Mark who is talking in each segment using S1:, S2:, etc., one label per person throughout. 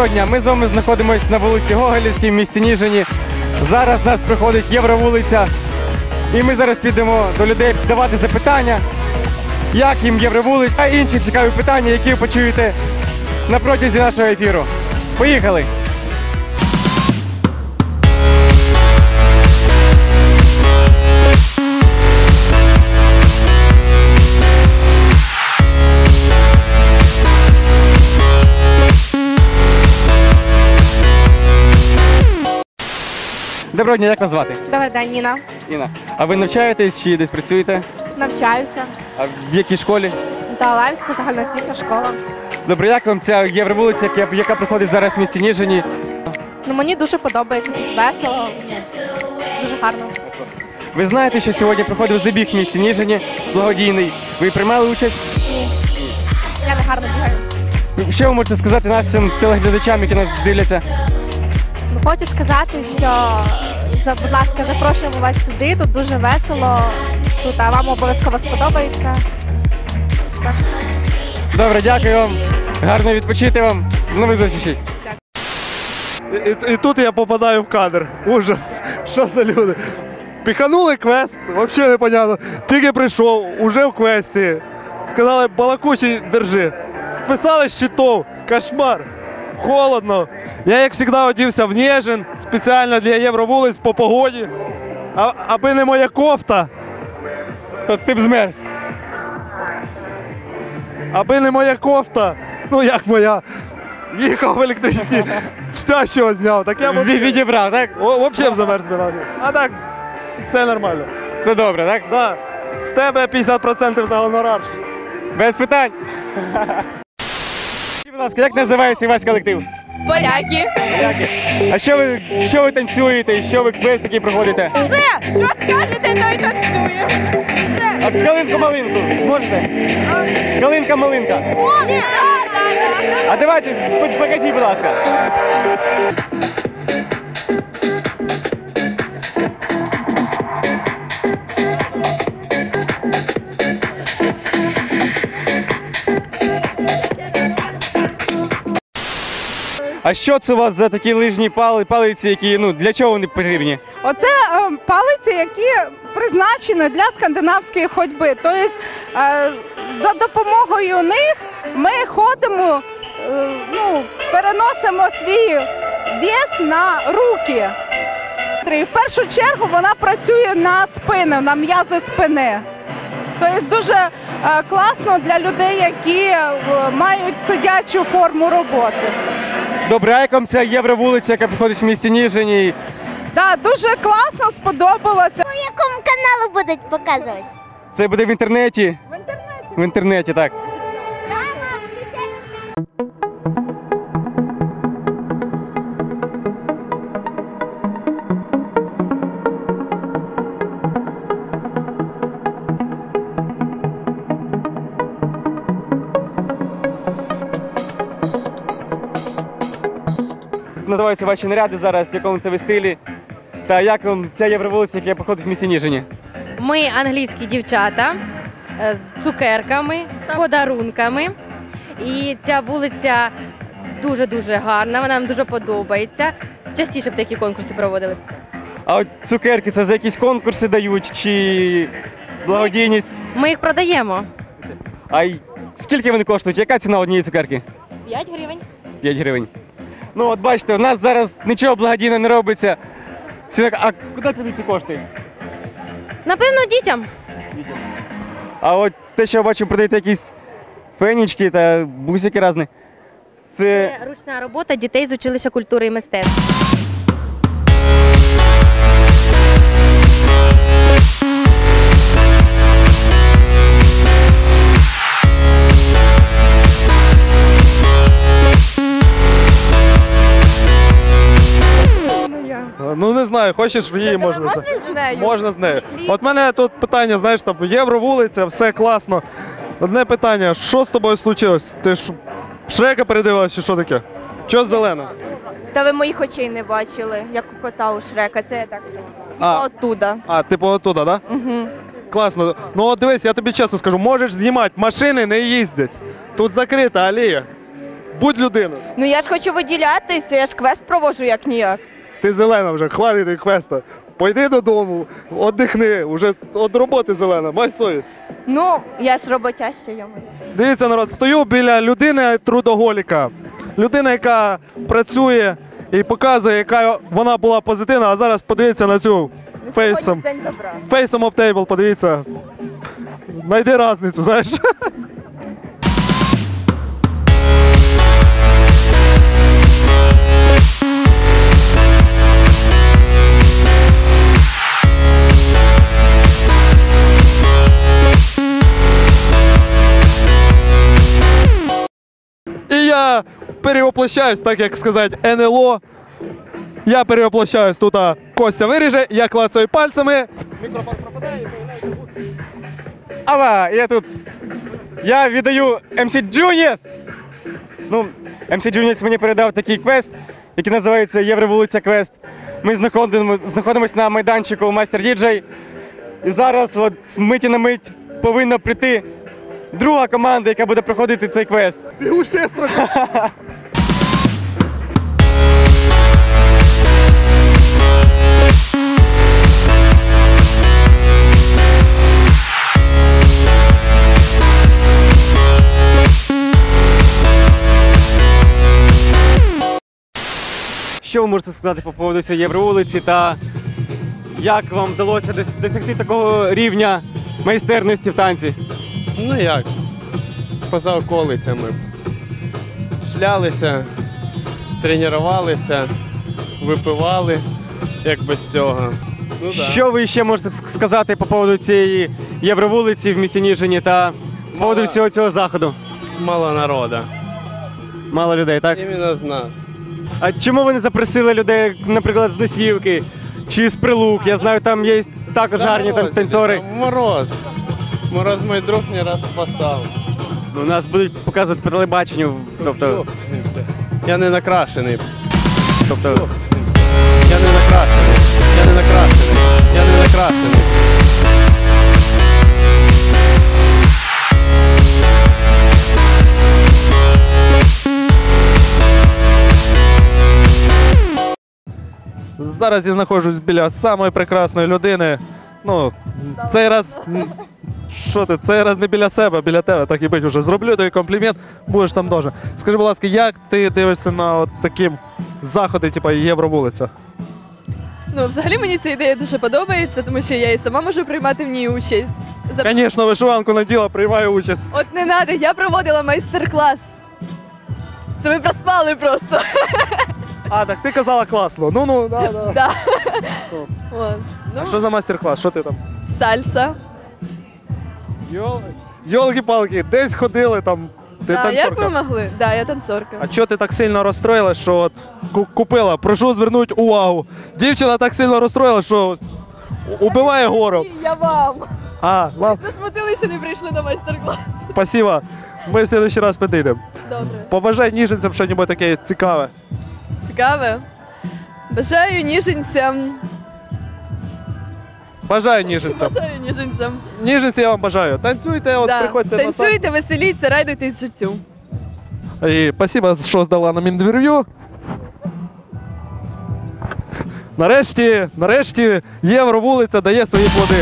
S1: Доброго дня, ми з вами знаходимося на вулиці Гоголівській в місті Ніжині. Зараз у нас проходить Євровулиця. І ми зараз підемо до людей задавати запитання, як їм Євровулиця, а інші цікаві питання, які ви почуєте на протязі нашого ефіру. Поїхали! Доброго дня, як вас звати?
S2: Добрий день, Ніна.
S1: Інна. А ви навчаєтесь чи десь працюєте?
S2: Навчаюся.
S1: А в якій школі?
S2: Далаївська загальноосвітня школа.
S1: Добре, як вам ця Євровулиця, яка проходить зараз в місті Ніжині?
S2: Ну, мені дуже подобається, весело, дуже гарно.
S1: Ви знаєте, що сьогодні проходив забіг в місті Ніжині, благодійний. Ви приймали участь?
S2: Ні. Я не гарно бігаю.
S1: Що ви можете сказати нашим телеглядачам, які нас дивляться?
S2: Ну, хочу сказати, що, будь ласка, запрошуємо вас сюди, тут дуже весело, тут, а вам обов'язково сподобається. Так.
S1: Добре, дякую вам. Гарно відпочити вам. До нових зустрічей.
S3: І тут я попадаю в кадр. Ужас. Що за люди? Піханули квест, взагалі непонятно. Тільки прийшов, уже в квесті. Сказали, балакучий держи. Списали з щитов. Кошмар. Холодно. Я, як завжди, одівся в Ніжин, спеціально для Євровулиць по погоді. Аби не моя кофта.
S1: То ти б змерз.
S3: Аби не моя кофта. Ну як моя. Їхав в електричці, спящого зняв. Так я б
S1: Відібрав, так?
S3: взагалі б замерз би. А так, все нормально.
S1: Все добре, так?
S3: Да. З тебе 50% за гонорар.
S1: Без питань. Будь ласка, як називається ваш колектив?
S2: Поляки.
S1: Поляки. А що ви танцюєте? Що ви квест такий проходите?
S2: Все, що скажете, то й танцює.
S1: А калинку-малинку зможете? Калинка-малинка. А давайте, покажіть, будь ласка. А що це у вас за такі лижні палиці, які, для чого вони потрібні?
S4: Оце палиці, які призначені для скандинавської ходьби. Тобто за допомогою них ми ходимо, переносимо свій вес на руки. І в першу чергу вона працює на спину, на м'язи спини. Тобто дуже класно для людей, які мають сидячу форму роботи.
S1: Добре, а як вам ця Євровулиця, яка проходить в місті Ніжині?
S4: Так, дуже класно, сподобалося.
S5: По якому каналу будуть показувати?
S1: Це буде в інтернеті?
S4: В інтернеті.
S1: В інтернеті, так. Називаються ваші наряди зараз, в якому це ви стилі. Та як вам ця Євровулиця, яка проходить в місті Ніжині?
S6: Ми англійські дівчата з цукерками, з подарунками. І ця вулиця дуже-дуже гарна, вона нам дуже подобається. Частіше б такі конкурси проводили.
S1: А от цукерки це за якісь конкурси дають чи благодійність?
S6: Ми їх продаємо.
S1: А скільки вони коштують? Яка ціна однієї цукерки?
S6: 5 гривень.
S1: 5 гривень. Ну от бачите, у нас зараз нічого благодійного не робиться. А куди підуть ці кошти?
S6: Напевно, дітям.
S1: А от те, що я бачу, продаєте якісь фенічки та бусики різні.
S6: Це ручна робота дітей з училища культури і мистецтв.
S3: Ну не знаю, хочеш її можна. Можна з нею. От мене тут питання, знаєш, там Євровулиця, все класно. Одне питання, що з тобою случилось? Ти ж Шрека передивилась чи що таке? Що зелено?
S7: Та ви моїх очей не бачили, як у кота у Шрека, це я так оттуда.
S3: Типу оттуда, так? Да?
S7: Угу.
S3: Класно. Ну от дивись, я тобі чесно скажу, можеш знімати, машини не їздять. Тут закрита алея. Будь людиною.
S7: Ну я ж хочу виділятися, я ж квест проводжу як ніяк.
S3: Ти зелена вже, хватить тобі квеста. Пойди додому, віддихни, вже від роботи зелена, май совість.
S7: Ну, я ж роботяща, я маю.
S3: Дивіться, народ, стою біля людини трудоголіка. Людина, яка працює і показує, яка вона була позитивна, а зараз подивіться на цю фейсом.
S7: День добра.
S3: Фейсом об тейбл, подивіться. Найди різницю, знаєш. І я перевоплощаюсь, так як сказати, НЛО. Я перевоплощаюсь тут, Костя виріже, я клацаю пальцями. Мікрофон пропадає і появляється гусь.
S1: Ава, я тут. Я віддаю MC Junius. Ну, MC Junius мені передав такий квест, який називається Євровулиця Квест. Ми знаходимося на майданчику Майстер Діджей. І зараз от з миті на мить повинна прийти друга команда, яка буде проходити цей квест.
S3: Бігу ще трохи.
S1: Що ви можете сказати по поводу цієї Євровулиці та як вам вдалося досягти такого рівня майстерності в танці?
S8: Ну як? Поза околицями. Шлялися, тренувалися, випивали, як без цього. Ну, да.
S1: Що ви ще можете сказати по поводу цієї Євровулиці в місті Ніжині та по поводу всього цього заходу?
S8: Мало народу.
S1: Мало людей, так?
S8: Іменно з нас.
S1: А чому ви не запросили людей, наприклад, з Носівки чи з Прилук? Я знаю, там є також гарні там танцори.
S8: Мороз. Мороз мій друг не раз спасав.
S1: Ну, нас будуть показувати по телебаченню, тобто,
S8: Я не накрашений.
S1: тобто,
S8: Я не накрашений. Я не накрашений. Я не накрашений.
S3: Зараз я знаходжусь біля самої прекрасної людини. Ну, цей раз. Що ти? Цей раз не біля себе, а біля тебе, так і бить вже. Зроблю тобі комплімент, будеш там дуже. Скажи, будь ласка, як ти дивишся на от такі заходи, типу Євровулиця?
S9: Ну, взагалі мені ця ідея дуже подобається, тому що я і сама можу приймати в ній участь.
S3: Звісно, вишиванку наділа, приймаю участь.
S9: От не треба, я проводила майстер-клас. Це ми проспали просто.
S3: А, так ти казала класно. Ну, да.
S9: Да.
S3: Ну.
S9: От.
S3: А
S9: Ну,
S3: що за майстер-клас? Що ти там?
S9: сальса.
S3: Йолки-палки, десь ходили там. Ти
S9: Да, як
S3: танцорка.
S9: ви могли? Да, я танцорка.
S3: А чого ти так сильно розстроїлась, що от купила? Прошу звернути увагу. Дівчина так сильно розстроїлась, що убиває гору.
S9: Ні, я вам.
S3: А, ладно,
S9: Засмутили, що не прийшли на майстер-клас.
S3: спасибо. Ми в следующий раз підійдемо.
S9: Добре.
S3: Побажай ніженцям щось таке цікаве.
S9: Цікаве. Бажаю ніженцям.
S3: Бажаю ніженцям.
S9: Бажаю ніженцям.
S3: Ніженці я вам бажаю. Танцюйте, от
S9: Да.
S3: приходьте на сайт.
S9: Танцюйте, веселіться, радуйтесь життю.
S3: І спасибо, що здала нам інтерв'ю. Нарешті Євровулиця дає свої плоди.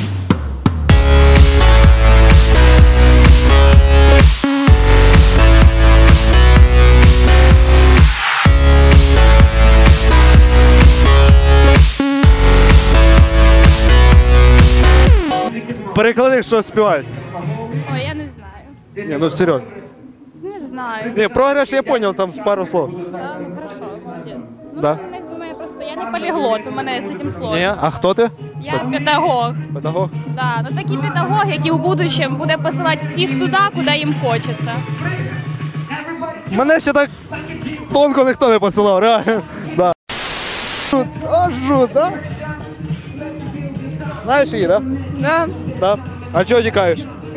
S3: Переклади, що співають.
S10: Ой, я не знаю.
S3: Ні, ну серйозно.
S10: Не знаю.
S3: Ні, програш я зрозумів, там пару слов.
S10: Да, ну хорошо, молодец. Ну,
S3: Да.
S10: у мене просто я не поліглот, у мене з цим сложно.
S3: Ні, а хто ти?
S10: Я педагог.
S3: Педагог.
S10: Да, ну такий педагог, який у будущем буде посилати всіх туди, куди їм хочеться.
S3: Мене ще так тонко ніхто не посилав, реально. Да. Жут, да? Знаєш її, да?
S9: Да.
S3: Да. А чого тікаєш?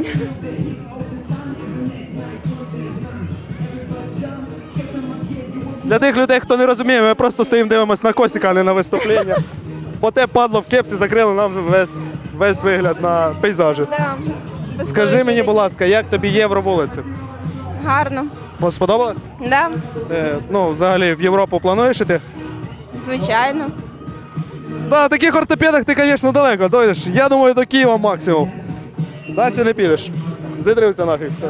S3: Для тих людей, хто не розуміє, ми просто стоїмо, дивимося на Косіка, а не на виступлення. Бо те падло в кепці закрили нам весь вигляд на пейзажі.
S7: Да.
S3: Скажи мені, будь ласка, як тобі Євровулиця?
S7: Гарно.
S3: Сподобалось?
S7: Да,
S3: Ну, взагалі, в Європу плануєш іти?
S7: звичайно.
S3: На таких ортопедах ти, звісно, далеко дойдеш. Я думаю, до Києва максимум. Далі не підеш. Зидрився нафіг, все.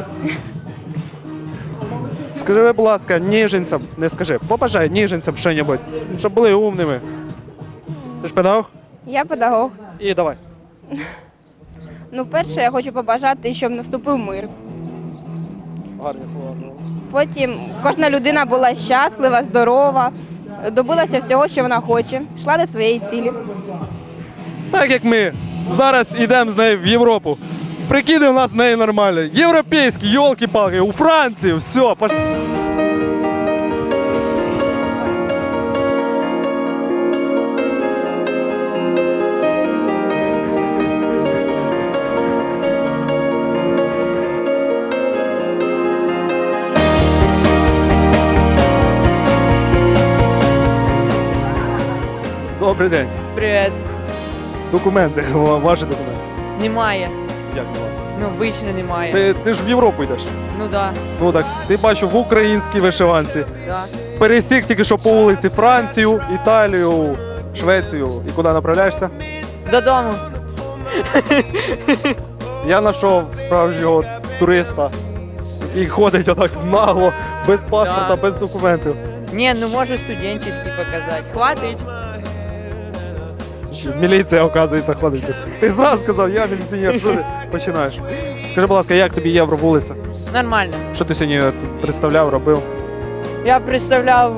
S3: Скажи, будь ласка, ніженцям, не скажи, побажай ніженцям що-небудь, щоб були умними. Ти ж педагог?
S7: Я педагог.
S3: І давай.
S7: Ну, перше, я хочу побажати, щоб наступив мир.
S3: Гарні слова.
S7: Потім кожна людина була щаслива, здорова, добилася всього, що вона хоче, йшла до своєї цілі.
S3: Так як ми зараз йдемо з нею в Європу. Прикиди, у нас з нею нормально. Європейські, йолки-палки, у Франції, все, пошли. Добрий день.
S11: Привіт.
S3: Документи, ваші документи.
S11: Немає.
S3: Як немає?
S11: Ну, обично немає.
S3: Ти ж в Європу йдеш.
S11: Ну да.
S3: Ну так, ти бачу в українській вишиванці.
S11: Да.
S3: Пересік тільки що по вулиці Францію, Італію, Швецію. І куди направляєшся?
S11: Додому.
S3: Я знайшов справжнього туриста, який ходить отак нагло, без паспорта,
S11: Да.
S3: без документів.
S11: Ні, ну можу студенческий показати. Хватить.
S3: Міліція, оказується, ходить. Ти зразу сказав, я міліціонер, що ти починаєш? Скажи, будь ласка, як тобі Євровулиця?
S11: Нормально.
S3: Що ти сьогодні представляв, робив?
S11: Я представляв,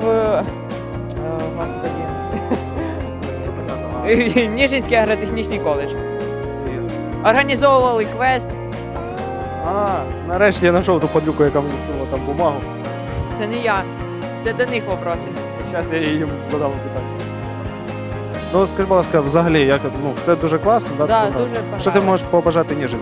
S11: господи, Ніжинський агротехнічний коледж. Організовували квест.
S3: А, нарешті я знайшов ту падлюку, яка мені скинула там бумагу.
S11: Це не я. Це до них вопроси.
S3: Зараз я їм задам питання. Ну, скажи, будь ласка, взагалі, як, ну, все дуже класно, да?
S11: Да,
S3: Ну,
S11: дуже
S3: Що ти
S11: понравилось.
S3: можеш побажати ніжинцям?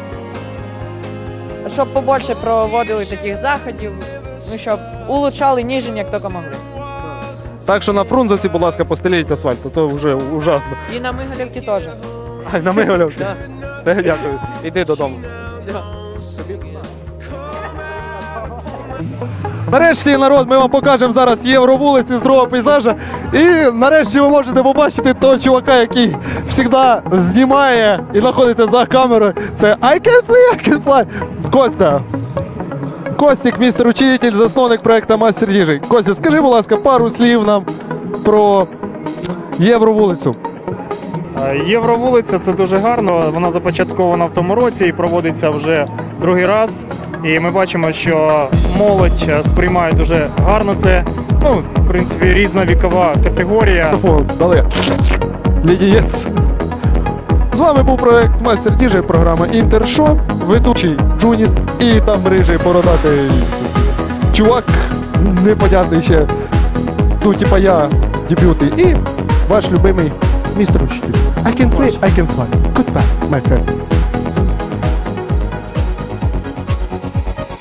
S11: Щоб побольше проводили таких заходів, ну, щоб улучшали Ніжин, як тільки могли.
S3: Так що на Фрунзенці, будь ласка, постеліть асфальт, а то вже ужасно.
S11: І на Мигалівці теж.
S3: Ай, на Мигалівці.
S11: Да.
S3: Дякую. Іди додому. Нарешті, народ, ми вам покажемо зараз Євровулиці з другого пейзажа. І нарешті ви можете побачити того чувака, який завжди знімає і знаходиться за камерою. Це I can fly. Костя. Костік, містер учитель, засновник проекту Мастер Їжі. Костя, скажи, будь ласка, пару слів нам про Євровулицю.
S12: Євровулиця – це дуже гарно, вона започаткована в тому році і проводиться вже другий раз. І ми бачимо, що молодь сприймає дуже гарно це. Ну, в принципі, різна вікова категорія.
S3: Дали. Лідієць. З вами був проект Мастер Діжей, програма Інтершоу, ведучий Джуніс і там рижий бородатий чувак, непонятний ще, ну типа я, дебютний, і ваш любимий містер учитель. I can play, I can fly. Goodbye, my friend.